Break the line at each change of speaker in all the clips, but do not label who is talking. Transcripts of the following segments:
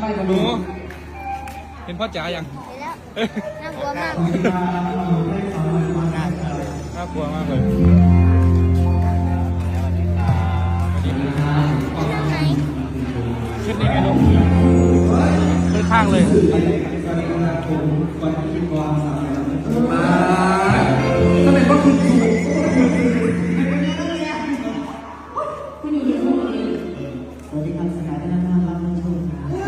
หนูเห็นพ่อจ๋ายัง
น่ากลัวมาก
น่ากลัวมากเลยขึ้นยังไงลูกขึ้นข้างเลย
ถ้าเป็นว่าคุณสูงสวัสดีครับสกายได้รับรับชม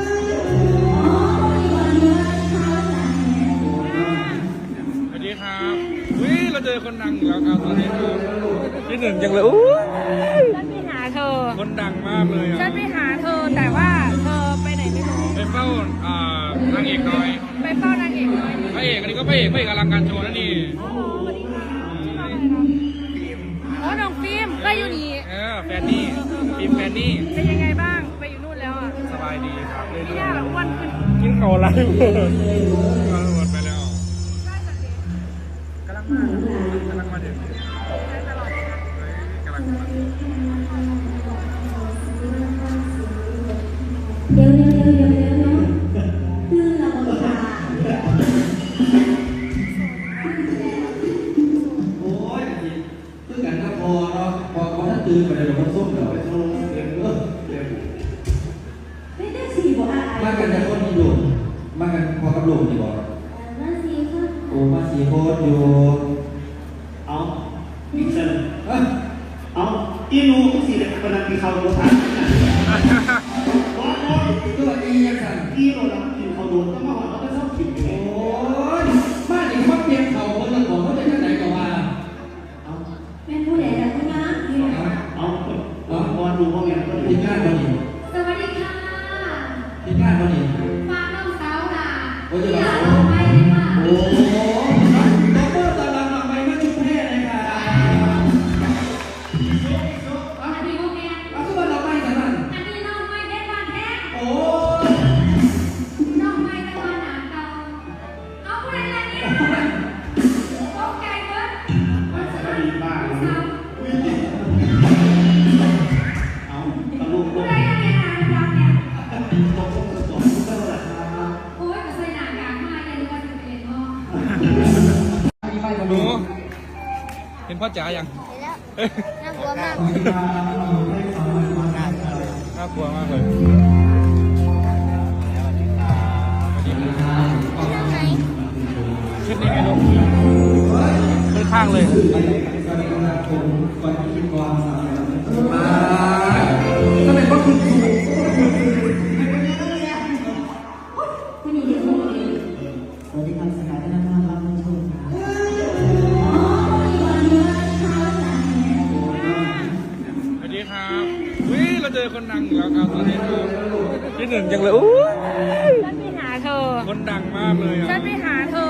สวัสดีครับเราเจอคนดังแล้วครับตอนนี้ที่หนึ่งยังเลย
ฉันไปหาเธอ
คนดังมากเลย
ฉันไปหาเธอแต่ว่าเธอไปไหนไม่รู้
ไปเฝ้านางเอกน้อย
ไปเฝ้านางเอกน้อย
พระเอกอันนี้ก็พระเอกอลังการโชว์นั่นนี่
อ๋อน้องฟิล์มก็อยู่นี่
แฟนนี่ฟิล์มแฟนนี่
เป็นยังไงบ้างไปอยู่นู่นแล้วอ่ะ
สบายดีครับเลย
พี่ย่าหลังวันขึ้น
กินเข่าไรหมดไปแล้วกำลังมาเด็กกำลังมา
เดี๋ยวลื่นเราค่ะโอ้ยคือกันก็พอเนาะพอถ้าตื่นไปเดี๋ยวมันส้มเดี๋ยวไปโซ่เดี๋ยวไม่ได้สี่บ่อะไรมากันจะคนนี้อยู่มากันพอกับลุงนี่บ่มาสี่คนโอ้มาสี่คนอยู่
เอาพิกเซลเอาอีนูสี่เด็กคนนั้นมีเขาโดนทัน
ตัวอียังสั่น
อีโรนักกินเขาโดนต้องมาหอนแล้วก็ชอบกินอยู่
โอ้ยบ้านนี้เขาเตรียมเขาคนละของเขาจะที่ไหนก็มาเอาเป็นผู้ใหญ่แต่ผู้น้า
เอาบอลดูพ่อแม่ก็
ทีมงานวันนี้
สวัสดีค่ะ
ทีมงานวันนี้
ฝากน้องสาวค่ะ
โอ้ยจะมา
ไปเลยค่ะ
โอ้ดอกเตอร์ตะลังไปมาชุมแพรเลยค่ะ
อันนี้พวกแก
เอาขึ้นมาดอกไม้กันนั่น
อันนี้น้องไม่ได้บ้านแท้
โอ้
น้องไม่ได้บ้านหนาเตาเอาไปอะไรเนี่ยตกใจเบิร์ด
มันจะดีบ้างเอาตะลุก
ผู้ใดยังไงหาดำเนี่ย
ตกตกเท่าไหร่ครับ
โอ้ยใส่หนังกางมาอย่าดูว่าจะเป็นเนาะ
หนูเห็นพ่อจ๋ายัง
น่ากลัวมาก
น่ากลัวมากเลยขึ้นยังไงลูกขึ้นข้างเลย
ถ้าเป็นว่าคุณสูงสวัสดีครับสกายได้รับรับชม
สวัสดีครับเราเจอคนดังแล้วครับตอนนี้ที่หนึ่งยังเลย
ฉันไปหาเธอ
คนดังมากเลย
ฉันไปหาเธอ